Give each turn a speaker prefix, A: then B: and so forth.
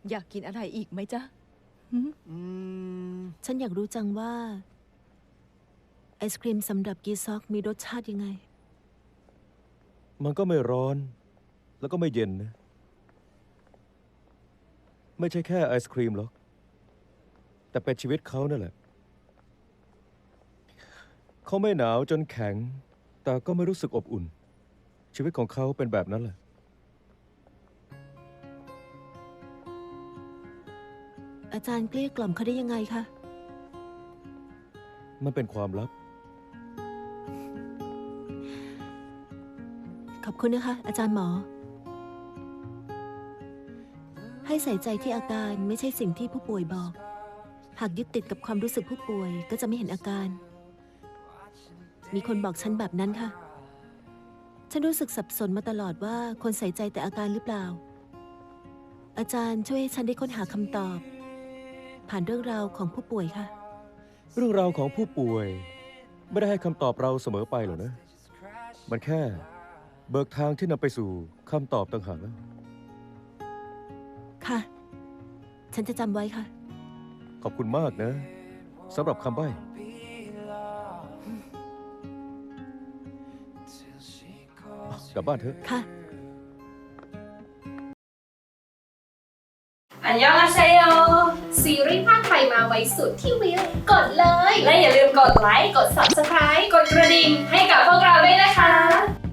A: อยากกินอะไรอีกไหมจ๊ะ
B: ฉันอยากรู้จังว่าไอศครีมสำหรับกีซอกมีรสชาติยังไง
C: มันก็ไม่ร้อนแล้วก็ไม่เย็นนะไม่ใช่แค่ไอศครีมหรอกแต่เป็นชีวิตเขานั่นแหละเขาไม่หนาวจนแข็งแต่ก็ไม่รู้สึกอบอุ่นชีวิตของเขาเป็นแบบนั้นแหละ
B: อาจารย์เกลี้ยกล่อมเขาได้ยังไงคะ
C: มันเป็นความลับ
B: ขอบคุณนะคะ อาจารย์หมอ ให้ใส่ใจที่อาการไม่ใช่สิ่งที่ผู้ป่วยบอก หากยึดติดกับความรู้สึกผู้ป่วยก็จะไม่เห็นอาการ มีคนบอกฉันแบบนั้นค่ะ ฉันรู้สึกสับสนมาตลอดว่าคนใส่ใจแต่อาการหรือเปล่า อาจารย์ช่วยให้ฉันได้ค้นหาคำตอบ ผ่านเรื่องราวของผู้ป่วยค่ะ
C: เรื่องราวของผู้ป่วยไม่ได้ให้คำตอบเราเสมอไปหรอกนะมันแค่เบิกทางที่นำไปสู่คำตอบต่างหากแล้ว
B: ค่ะ ฉันจะจำไว้ค่ะ
C: ขอบคุณมากนะสำหรับคำใบ้ กลับบ้านเถอะ
B: ค่ะ
D: อันยองอาเซโยซีรีส์ภาคไทยมาไว้สุดที่วิวกดเลย และอย่าลืมกดไลค์ กด Subscribe กดกระดิ่งให้กับพวกเราด้วยนะคะ